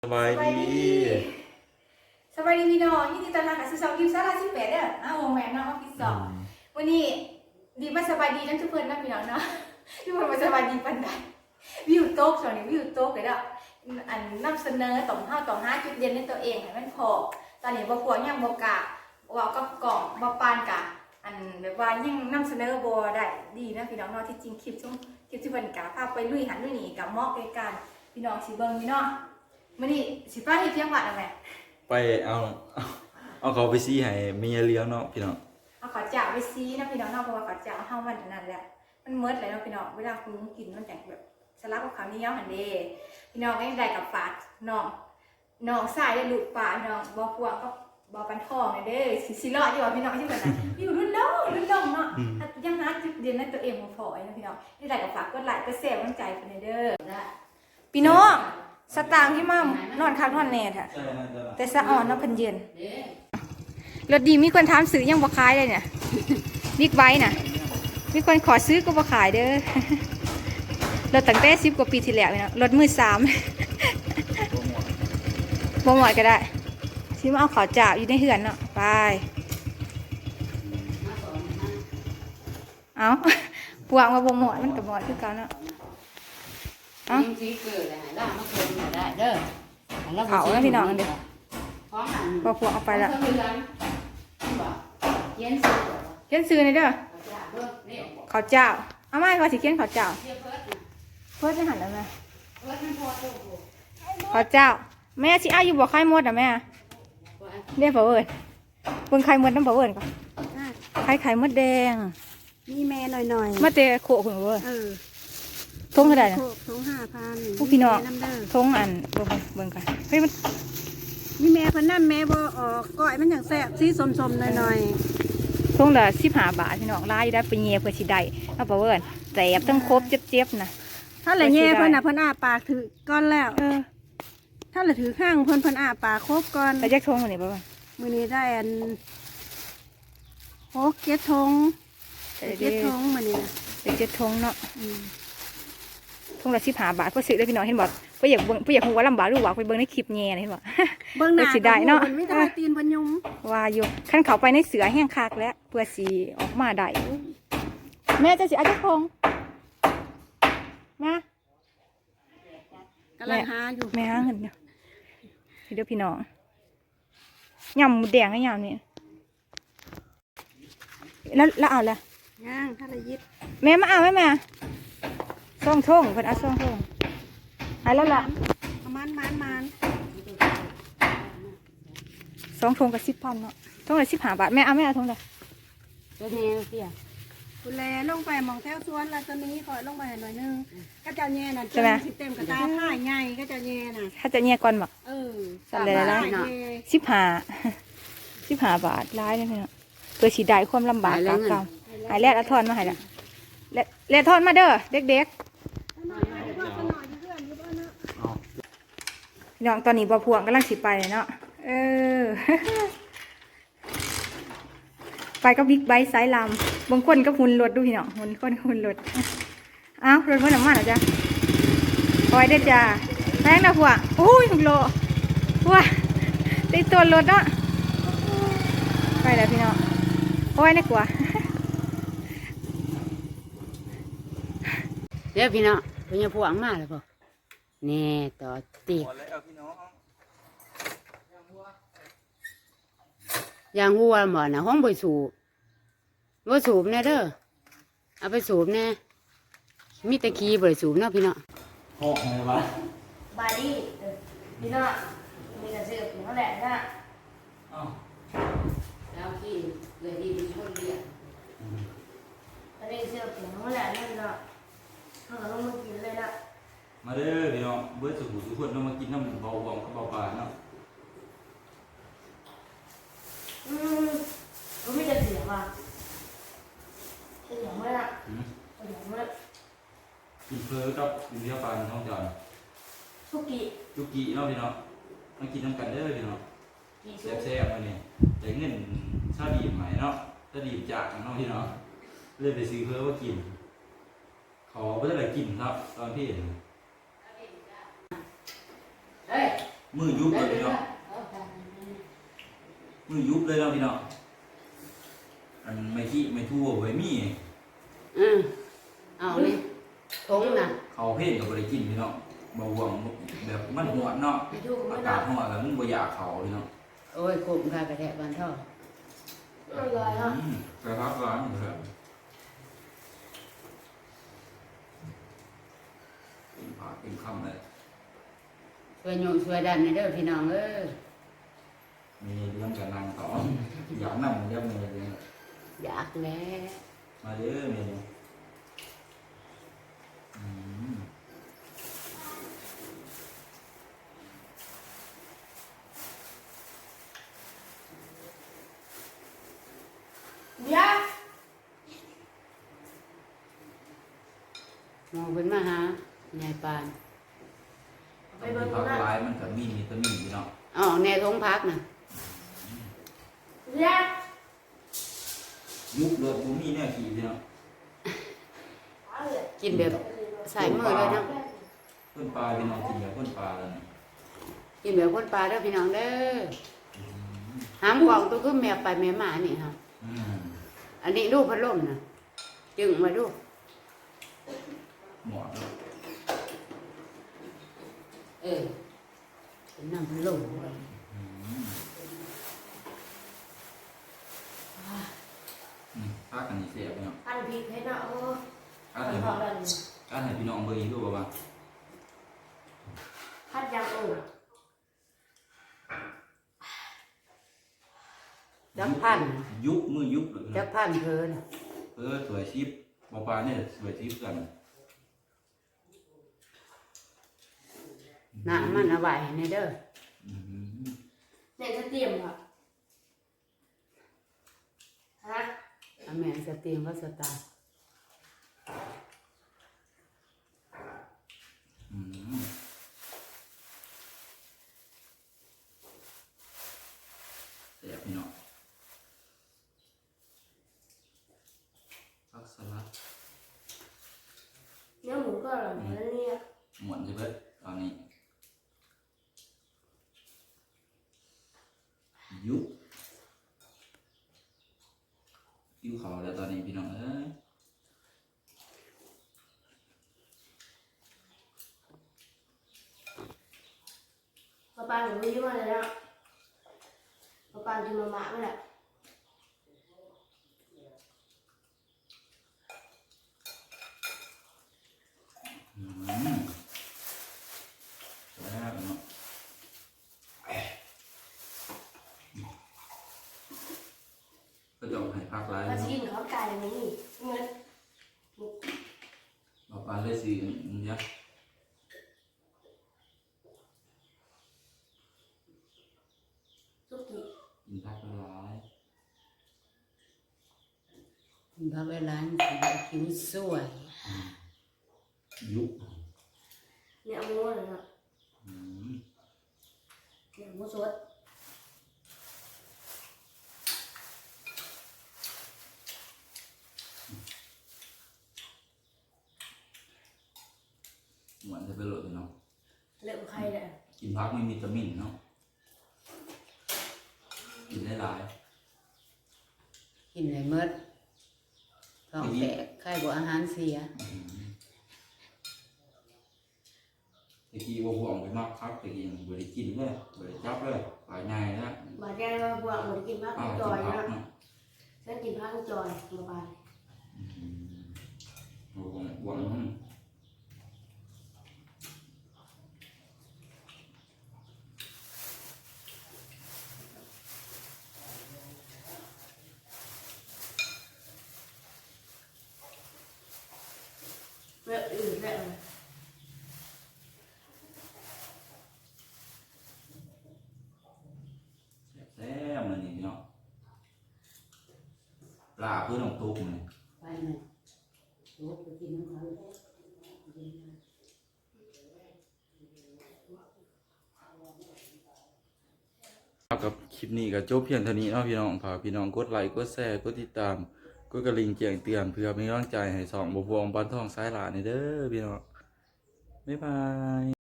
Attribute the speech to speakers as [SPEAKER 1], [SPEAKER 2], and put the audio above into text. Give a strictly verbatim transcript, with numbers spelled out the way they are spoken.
[SPEAKER 1] สบายดี
[SPEAKER 2] สบายดีพี่น้องยินดีต้อนรับเข้าสู่ช่องกิฟต์ซาร่าสิบแปดเด้ออ้าวแม่น้องออฟฟิศสองวันนี้ดีมาสบายดีทั้งทุกคนนะพี่น้องเนาะทุกคนมาสบายดีปันใดวิวโต๊ะส่วนนี้วิวโต๊ะเลยเด้ออันนำเสนอต่อห้าต่อห้าจุดเด่นในตัวเองให้มันพอตอนนี้บ่พวกยังบ่กะว่าก็กล่องบ่ปานกะอันแบบว่ายังนำเสนอบ่ได้ดีนะพี่น้องเนาะที่จริงคลิปช่วงคลิปที่เพิ่นกะพาไปลุยหันลุยนี่กับเหมาะกับการพี่น้องสิเบิ่งพี่น้องมื้อนี้สิป้าเฮ็ดเพียงวัดเอาแม่
[SPEAKER 1] ไปเอาเอาเขาไปซีให้เมียเลี้ยงเนาะพี่น้อง
[SPEAKER 2] เอาขอจ่าไปซีนะพี่น้องเนาะเพราะว่าขอจ่าเฮามันนั่นแหละมันเมิดเลยเนาะพี่น้องเวลาคุณกินมันแต่แบบสลับกับข้าวเหนียวหั่นเด้พี่น้องก็ได้กับฝาดน้องน้องสายได้ลูกป่าน้องบ่พวงก็บ่ปันทองเด้สิสิรอดอยู่ว่าพี่น้องที่เพิ่นน่ะอยู่รุ่นน้องรุ่นน้องเนาะยังหาจุดเด่นในตัวเองบ่พอนะพี่น้องนี่ได้กับฝากกดไลค์กดแชร์กำลังใจเพิ่นเด้อพี่น้องสตางค์ที่มานอนคักนอนแน่แท้แต่สะอ่อนเนาะเพิ่นเย็นรถดีมีคนถามซื้อยังบ่ขายเลยเนี่ยบิ๊กไบค์น่ะมีคนขอซื้อก็บ่ขายเด้อรถตั้งแต่สิบกว่าปีที่แล้วเนาะรถมือสามบ่หมดก็ได้สิมาเอาข้าวจ่าอยู่ในเฮือนเนาะไปเอาปวกมาบ่หมดมันก็หมดคือกันเนาะ
[SPEAKER 3] เอาสีเกิดเลยได้มาเกิดได้เด้อ
[SPEAKER 2] เขาแล้วพี่น้องกันเด้อพอพวกเอาไปละเขียนซื้อในเด้อข้าวเจ้าเอาไม่ก็สิเขียนข้าวเจ้าเพิ่นได้หันแล้วแม่ข้าวเจ้าแม่สิอายุบ่ไข่หมดอ่ะแม่เรียกบ่เอิ้นเบิ่งไข่หมดนำบ่เอิ้นก่อนไข่ไข่มดแดง
[SPEAKER 4] มีแม่หน่อยๆ
[SPEAKER 2] มาแต่โคเพิ่นบ่เอิ้น
[SPEAKER 4] เออ
[SPEAKER 2] ทงเท่าใดน่ะ
[SPEAKER 4] ทง ห้าพัน
[SPEAKER 2] ผู้พี่น้องทงอันเบิ่งเบิ่งกันเฮ้ยมัน
[SPEAKER 4] มีแม่เพิ่นนั่นแม่บ่ออกก้อยมันอย่างแซ่บสีสมๆหน่อย
[SPEAKER 2] ๆทงละสิบห้าบาทพี่น้องลายได้ไปแย่เพื่อสิได้เอาบ่เอิ้นแซ่บทั้งครบเจ็บๆน่ะ
[SPEAKER 4] ถ้าละแย่เพิ่นน่ะเพิ่นอ้าปากถือก้อนแล้วเออถ้าละถือข้างเพิ่นเพิ่นอ้าปากครบก่อน
[SPEAKER 2] แล้วจักทงมื้อนี้บ่ว่า
[SPEAKER 4] มื้อนี้ได้อันหก เจ็ดทงเจ็ดทงมื้อนี้
[SPEAKER 2] น่ะเจ็ดทงเนาะอืมทงละสิบห้าบาทเพื่อซื้อได้พี่น้องเห็นบ่เพื่ออยากเบิ่งเพื่ออยากฮู้ว่าลำบากหรือว่าไปเบิ่งในคลิปแย่เห็นบ่
[SPEAKER 4] เบิ่งหน้า
[SPEAKER 2] สิได้เนาะ
[SPEAKER 4] เพิ่นมีแต่ตีนเพิ่นยุ่ม
[SPEAKER 2] ว่าอยู่คันเข้าไปในเสือแห้งคักแล้วเพื่อสิออกมาได้แม่จะสิเอาจักทงมาก
[SPEAKER 4] ำลังหาอยู่
[SPEAKER 2] แม่หาเงินเนาะเดี๋ยวพี่น้องยำหมูแดงให้ยำนี่แล้วแล้วเอาละ
[SPEAKER 4] ย่างถ้าละยิบ
[SPEAKER 2] แม่มาเอาไหมแม่ซ่องท่งเพิ่นเอาซ่องท่งหายแล้วล่ะ
[SPEAKER 4] ประมาณมันมัน
[SPEAKER 2] สองทงกับสิบพันเนาะทงละสิบห้าบาทแม่เอาแม่เอาทงละ
[SPEAKER 3] ตัวนี้เตี้ย
[SPEAKER 4] คุณแลลงไปมองแถวสวนแล้วตอนนี้ขอลงไปหน่อยนึงก็จะแย่น่ะเต็มสิเต็มกระตาผ้าใหญ่ก็จะแย่น่ะ
[SPEAKER 2] ถ้าจะแย่ก่อนบัก
[SPEAKER 4] เออ
[SPEAKER 2] สั่นเลยละสิบห้าสิบห้าบาทร้ายเลยพี่เนาะตัวสีได้ความลำบากกาเก่าหายแรกแล้วทอนมาหายละแล้วแล้วทอนมาเด้อเด็กๆน้องตอนนี้บ่พวงกำลังสิไปเนาะเออไปก็บิ๊กไบค์ไซส์ลำบางคนก็หุ่นรถดูพี่น้องหุ่นคนหุ่นรถอ้าวรถมันหนักมากเหรอจ๊ะคอยได้จ้าแรงนะพวกโอ้ยหุ่นโลพวกได้ตัวรถเนาะไปแล้วพี่น้องโอ้ยน่ากลัว
[SPEAKER 3] เดี๋ยวพี่น้องเป็นยังพวงมาเลยป่ะแน่ต่อตียางหัวหมอนะห้องใบสูบว่าสูบแน่เด้อเอาไปสูบแน่มีตะคีใบสูบเนาะพี่น้อง
[SPEAKER 1] ห้องอะไรวะ
[SPEAKER 2] บาดี้พี่น้องมีกระเสือกอยู่นั่นแหละนะ
[SPEAKER 3] แล้วที่เลยดีเป็นคนเดียว
[SPEAKER 2] อันนี้เสือกอยู่นั่นแหละนั่นเนาะเขาก็ต้องมากินเลยนะ
[SPEAKER 1] มาเด้อพี่น้องเบิร์ดสุขุทุกคนต้องมากินน้ำเบาหวานกับเบาปลาเนาะ
[SPEAKER 2] อืมก็ไม่จะเสียว่ะเสียงเมื่อไหร่เสียงเมื่อ
[SPEAKER 1] กินเพลกับกินเที่ยวปลาท้องจาน
[SPEAKER 2] สุกี้
[SPEAKER 1] สุกี้เนาะพี่น้องมากินน้ำกันเด้อพี่น้องแซ่บๆมาเนี่ยแต่เงินชาดีใหม่เนาะชาดีจากเนาะพี่น้องเลยไปซื้อเพลว่ากินขอเพื่ออะไรกินครับตอนที่เห็น
[SPEAKER 3] เฮ้ย
[SPEAKER 1] มือยุบเลยพี่น้องมือยุบเลยเนาะพี่น้องอันไม่ขี้ไม่ทั่วไว้มี
[SPEAKER 3] อืมเอาเลยทงน่ะ
[SPEAKER 1] เขาเพ่นกับบริกินพี่น้องเบาหวงแบบมันหัวเนาะ
[SPEAKER 2] ไปดูกั
[SPEAKER 1] อา
[SPEAKER 2] บ
[SPEAKER 1] กาศหัวแล้วมันบ่อยากเขาพี่น้อง
[SPEAKER 3] โอ้ยกลุ่มค่ะกระแทกบานท่อ
[SPEAKER 2] มันลอยเนาะ
[SPEAKER 1] อืมไปพักร้านอยู่แล้วกินผักกินข้าวเลย
[SPEAKER 3] ช่วยโยมช่วยดันในเด้อพี่น้องเอ้ย
[SPEAKER 1] มีเรื่องกับนางต่ออยากนั่งเรื่องเมย์เลย
[SPEAKER 3] อยากแล้ว
[SPEAKER 1] มาเด้อเมย์อืม
[SPEAKER 2] เดี๋ยว
[SPEAKER 3] มองเป็นมาหายายปาน
[SPEAKER 2] ไป
[SPEAKER 1] ไป
[SPEAKER 2] เบิ่ง
[SPEAKER 1] พัก
[SPEAKER 2] นะ
[SPEAKER 1] ร้ายมันกับมีวิตามินพี่น้อง
[SPEAKER 3] อ๋อแน่ทงพักน่ะ
[SPEAKER 2] เดี๋ยว
[SPEAKER 1] ยุบเลยผมมีแน่ขี่พี่น้อง
[SPEAKER 3] กินแบบใส่มือเลยเนาะ
[SPEAKER 1] เพื่อนปลาพี่น้องกินแบบเพื่อนปลาเลย
[SPEAKER 3] กินแบบคนปลาเด้อพี่น้องเด้อหามกล่องตัวคือแมวไปแม่หมานี่ครับ
[SPEAKER 1] อืม
[SPEAKER 3] อันนี้ลูกพัดลมน่ะจึงมาดู
[SPEAKER 1] หมอน
[SPEAKER 3] เออเป็นน้ำพัดลมเลย
[SPEAKER 1] อืมอืมพักกันนี่เสียพี่น้อง
[SPEAKER 2] อันผิดให้เนาะเออ
[SPEAKER 1] พัก
[SPEAKER 2] อัน
[SPEAKER 1] ให้
[SPEAKER 2] พอแล้ว
[SPEAKER 1] พักให้พี่น้องเบอร์อีกด้วยป่ะ
[SPEAKER 2] พัดยังเออ
[SPEAKER 3] จักพัน
[SPEAKER 1] ยุบมือยุบเลย
[SPEAKER 3] จักพันเพลิน
[SPEAKER 1] เออสวยชิปปลาปลาเนี่ยสวยชิปกัน
[SPEAKER 3] น้ำมันเอาไว้ในเด้อ
[SPEAKER 1] อืม
[SPEAKER 2] เนี่ยจะเตรียมค่ะฮะ
[SPEAKER 3] เอาแม่สตรีมก็สตาร์
[SPEAKER 1] อืมเสียพี่น้องพักสลัด
[SPEAKER 2] เนื้อหมูก็อร่อยเหมือนกันเนี่ย
[SPEAKER 1] หมวนใช่ไหมตอนนี้ยุบยุบเขาแล้วตอนนี้พี่น้องเอ้ย
[SPEAKER 2] ปลาปลาหนูไม่ยุ่งอะไรแล้วปลาปลากินมาม่าไม่แหละ
[SPEAKER 1] อืมแล้วเนาะก็จะเอาให้พักร้าย
[SPEAKER 2] ปลา
[SPEAKER 1] เนาะ
[SPEAKER 2] ชินเขาไก่ไหมนี่เงิน
[SPEAKER 1] ปลาปลาเลยสิยักษ์
[SPEAKER 2] สุกี้
[SPEAKER 1] กินพักร้าย
[SPEAKER 3] พระเวลานผิวสวย
[SPEAKER 1] ยุบ
[SPEAKER 2] เนี่ยหมูอะไรเนาะ
[SPEAKER 1] อืม
[SPEAKER 2] เนี่ยหมูสด
[SPEAKER 1] หวานจะไปโหลดเลยเนาะ
[SPEAKER 2] เลือกใครเนี่ย
[SPEAKER 1] กินพักไม่มีวิตามินเนาะกินได้หลาย
[SPEAKER 3] กินเลยเมิดท้องแตกไข้บ่อาหารเสีย
[SPEAKER 1] อืมตะกี้ว่าห่วงไปมากครับตะกี้บริกินเลยบริจับเลยปลายง่ายนะ
[SPEAKER 2] บาดแก้วบวกหมดกินพัก
[SPEAKER 1] อ้าว
[SPEAKER 2] จ
[SPEAKER 1] กิ
[SPEAKER 2] อน ย
[SPEAKER 1] พัก
[SPEAKER 2] นะ
[SPEAKER 1] เนาะ
[SPEAKER 2] ฉันกินพักจอยมาบาน
[SPEAKER 1] อืมห่วงห่วงอืม
[SPEAKER 2] เลือกอื่นเลือก
[SPEAKER 1] แซ่บมันนี่เนาะปลาเพื่อนของตุ๊กมัน
[SPEAKER 3] ไปหน่อยโอ้ไปกินน้ำเขาเลย
[SPEAKER 1] กับคลิปนี้ก็จบเพียงเท่านี้เนาะพี่น้องฝากพี่น้องกดไลค์กดแชร์กดติดตามกดกระลิ่งแจ้งเตือนเพื่อเป็นกำลังใจให้สองบวงบ้านทองสายหลานนี่เด้อพี่น้องบ๊ายบาย